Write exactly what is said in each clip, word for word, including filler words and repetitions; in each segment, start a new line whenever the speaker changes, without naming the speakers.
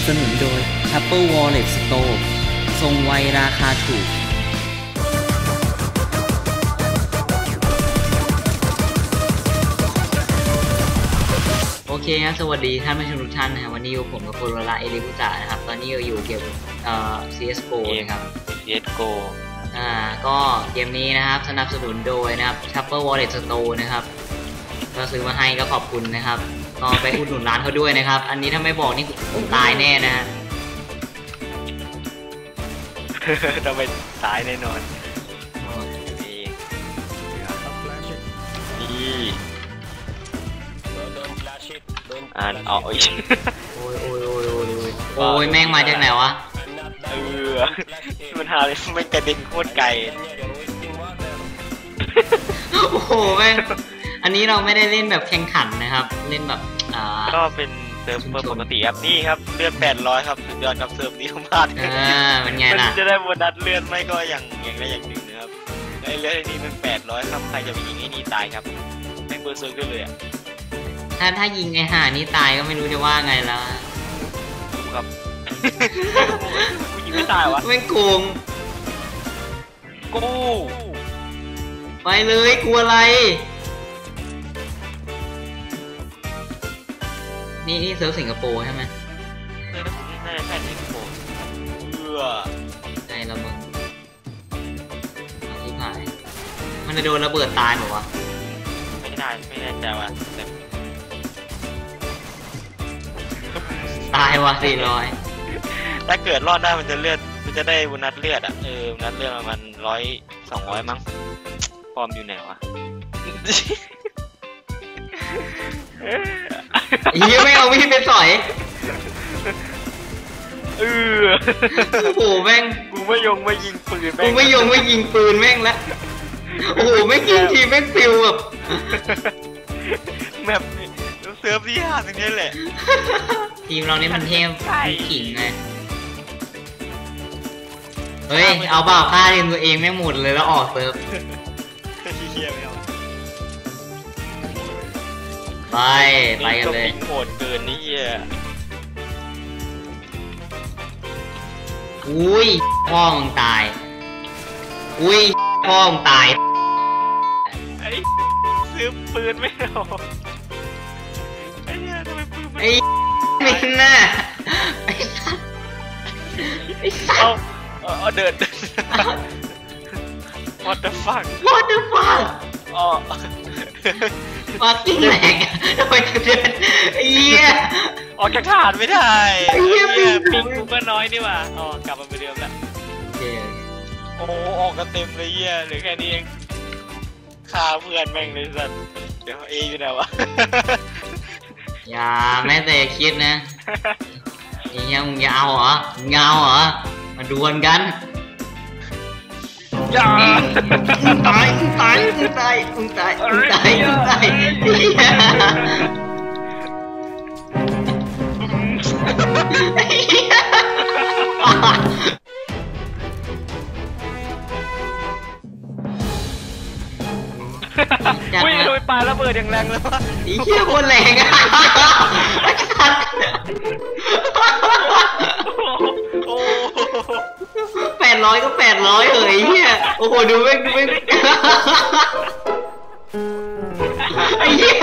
สนุนโดย Apple Wallet Store ทรงไวราคาถูกโอเคครับสวัสดีท่านผู้ชมทุกท่านนะครับวันนี้อยู่ผมกับโคโรล่าเอลิบุตะนะครับตอนนี้เราอยู่เกมเอ่อ ซี เอส จี โอ นะครับ
ซี เอส จี โอ
อ่าก็เกมนี้นะครับสนับสนุนโดยนะครับ Apple Wallet Store นะครับก็ซื้อมาให้ก็ขอบคุณนะครับก็ไปอุดหนุนร้านเขาด้วยนะครับอันนี้ถ้าไม่บอกนี่ผมตายแน่นะฮะ
เราไปตายแน่นอนนี่นี่อ่านเอาอีก
โอ้ยโอ้ยโอ้ยโอ้ยโอ้ยแม่งมาจากไหนวะ
เออมันหาเลยมันกระเด็นโคตรไกล
โอ้โหแม่งอันนี้เราไม่ได้เล่นแบบแข่งขันนะครับเล่นแบบอ่า
ก็เป็นเซิร์ฟเวอร์ปกติครับนี่ครับเลือดแปดร้อยครับสุดยอดกับเซิร์ฟนี้มาก
อ่าเป็นไงล่ะ
จะได้โบนัสเลือดไม่ก็อย่างอย่างได้อย่างหนึ่งนะครับไอ้เลือดนี้มันแปดร้อยครับใครจะไปยิงไอ้นี่ตายครับแม่งเบอร์เซิร์ฟเลยอ่ะ
ถ้าถ้ายิงไอ้ห่านี่ตายก็ไม่รู้จะว่าไงแล้ว
ครับกูยิงไม่ตายวะ
แม่งโกง
กู
ไปเลยกลัวอะไรนี่นี่เซิร์ฟสิงคโปร์ใช่ไหม
น่าจะใช่สิงคโปร์เออ
ใจละมึงที่ผ่านมันจะโดนระเบิดตายหรอวะ
ไม่ได้ไม่แน่ใจว่ะ
ตายวะสี่ร้อย
ถ้าเกิดรอดได้มันจะเลือดมันจะได้โบนัสเลือดอ่ะเออโบนัสเลือดมันร้อยสองร้อยมั้งฟอร์มอยู่ไหนวะ
ยังไม่เอามีดไปสอย
เออ
โอ้โหแม่ง
กูไม่ยงไม่ยิงปืน
กูไม่ยงไม่ยิงปืนแม่งแล้วโอ้โหไม่ยิงทีแม่งฟิวแบบ
แบบเซิร์ฟที่ห้าตรงนี้แหละ
ทีมเรานี่มันเทพขิงไงเฮ้ยเอาเปล่าฆ่าทีมตัวเองไม่หมดเลยแล้วออกเซิร์ฟไปไปกันเลย
โหดเกินนี่อ่ะ
อุ้ยพ่อมึงตายอุ้ยพ่อมึงตาย
ไอ้ซื้อปืนไม่เอาไอ้เนี่ยทำไมปืนไม่
ไอ้มินน่ะไอ้สัสไอ้สัส
เอาเดิน What the fuck
What the fuck
อ๋อ
มากิ้งแหลกทำไมถึงเดินไอ้เหี้ย
ออกจากฐานไม่ได้ไอ้เหี้ยปิงกูก็น้อยนี่ว่ะอ๋อกลับมาเหมือนเดิมแล้วโอ้ออกกันเต็มเลยเหี้ยเหลือแค่นี้เองฆ่าเพื่อนแม่งเลยสัตว์เดี๋ยวเออยู่ไหนวะ
อย่าแม้แต่คิดนะไอ้เหี้ยมึงยาวเหรอมึงยาวเหรอมาดวลกัน
อย่า
มึงตายมึงตายมึงตายมึงตายมึงตายมึงตาย
วิ่งโดยปลาระเบิดอย่างแรงเลยวะ
ไอ้เหี้ยโคตรแรงอ่ะแปดร้อยก็แปดร้อยเฮ้ยเฮียโอ้โหดูไม่ดูไม่ไอ้เหี้ย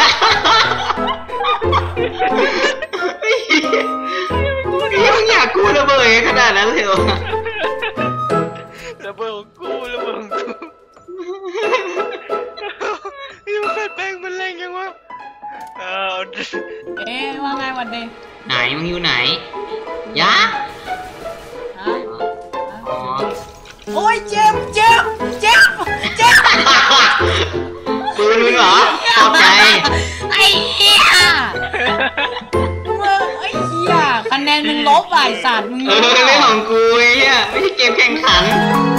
ไอ้เหี้ยไอ้เหี้ยมึงอยากกู้ระเบิดขนาดนั้นเลยเหรอ
ระเบิดของกูระเบิดของกูนี่มันแป้งมันแรงยังวะเออ
เอ๊ะว่าไงวันเดย์
ไหนมึงอยู่ไหนยะ
โอ้ยเจ็บเจ็บเจ็บเจ็บ
ปืนมึงเหรอตกใจ
ไอ้เหี้ยมึงไอ้เหี้ยคะแนนมึงลบไอ้สัตว์มึง
เออเรื่องของกูไอ้เหี้ยไม่ใช่เกมแข่งขัน